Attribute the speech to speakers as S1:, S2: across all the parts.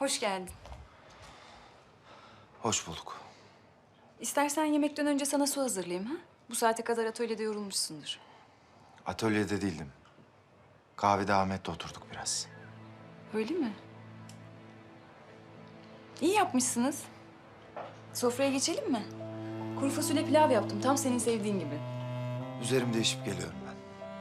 S1: Hoş geldin.
S2: Hoş bulduk.
S1: İstersen yemekten önce sana su hazırlayayım ha? Bu saate kadar atölyede yorulmuşsundur.
S2: Atölyede değildim. Kahvede Ahmet'le oturduk biraz.
S1: Öyle mi? İyi yapmışsınız. Sofraya geçelim mi? Kuru fasulye pilav yaptım. Tam senin sevdiğin gibi.
S2: Üzerim değişip geliyorum ben.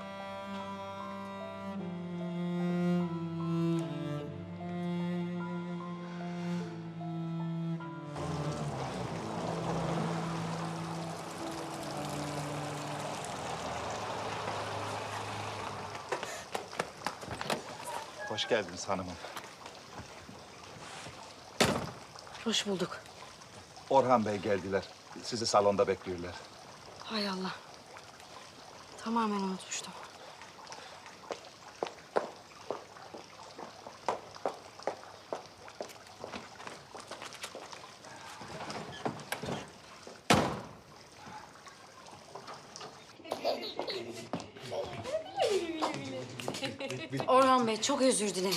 S3: Hoş geldiniz hanımım.
S4: Hoş bulduk.
S3: Orhan Bey geldiler. Sizi salonda bekliyorlar.
S4: Hay Allah. Tamamen unutmuştum. Orhan Bey, çok özür dilerim.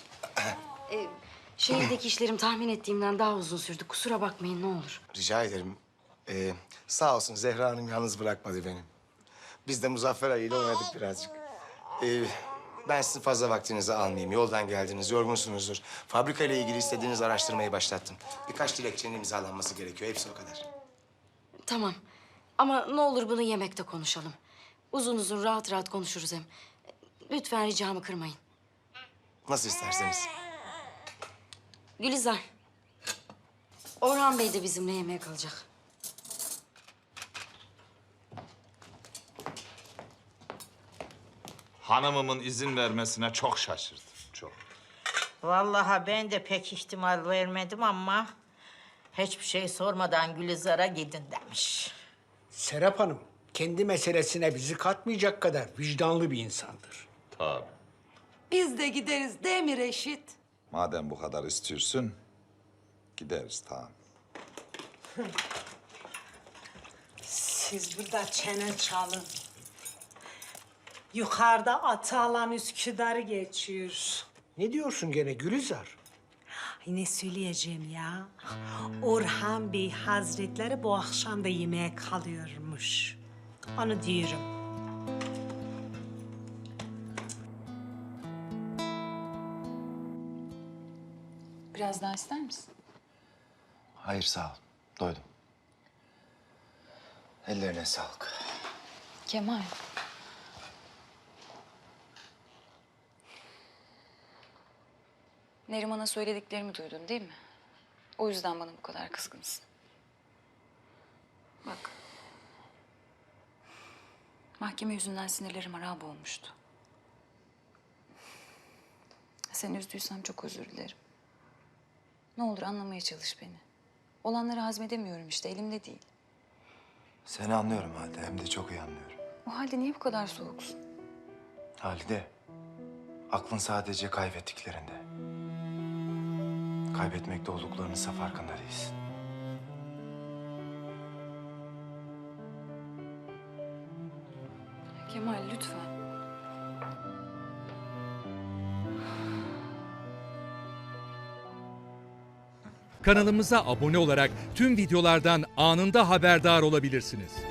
S4: Şehirdeki işlerim tahmin ettiğimden daha uzun sürdü. Kusura bakmayın, ne olur.
S5: Rica ederim. Sağ olsun Zehra Hanım yalnız bırakmadı beni. Biz de Muzaffer Ali ile oynadık birazcık. Ben sizin fazla vaktinizi almayayım. Yoldan geldiniz, yorgunsunuzdur. Fabrika ile ilgili istediğiniz araştırmayı başlattım. Birkaç dilekçenin imzalanması gerekiyor. Hepsi o kadar.
S4: Tamam. Ama ne olur bunu yemekte konuşalım. Uzun uzun, rahat rahat konuşuruz hem. Lütfen ricamı kırmayın.
S5: Nasıl isterseniz.
S4: Gülizar. Orhan Bey de bizimle yemeğe kalacak.
S6: Hanımımın izin vermesine çok şaşırdım, çok.
S7: Vallahi ben de pek ihtimal vermedim ama hiçbir şey sormadan Gülizar'a gidin demiş.
S8: Serap Hanım, kendi meselesine bizi katmayacak kadar vicdanlı bir insandır.
S6: Tabii.
S9: Biz de gideriz değil mi Reşit?
S6: Madem bu kadar istiyorsun, gideriz tamam.
S9: Siz burada çene çalın. Yukarıda Atalan Üsküdar'ı geçiyor.
S8: Ne diyorsun gene Gülizar?
S9: Ay ne söyleyeceğim ya? Orhan Bey Hazretleri bu akşam da yemeğe kalıyormuş. Onu diyorum.
S1: Biraz daha ister misin?
S2: Hayır sağ ol. Doydum. Ellerine sağlık.
S1: Kemal. Neriman'a söylediklerimi duydun değil mi? O yüzden bana bu kadar kızgınsın. Bak. Mahkeme yüzünden sinirlerim harap olmuştu. Seni üzdüysem çok özür dilerim. Ne olur anlamaya çalış beni. Olanları hazmedemiyorum işte, elimde değil.
S2: Seni anlıyorum Halide. Hem de çok iyi anlıyorum.
S1: O halde niye bu kadar soğuksun?
S2: Halide, aklın sadece kaybettiklerinde. Kaybetmekte olduklarınızsa farkında değilsin.
S1: Kemal lütfen.
S10: Kanalımıza abone olarak tüm videolardan anında haberdar olabilirsiniz.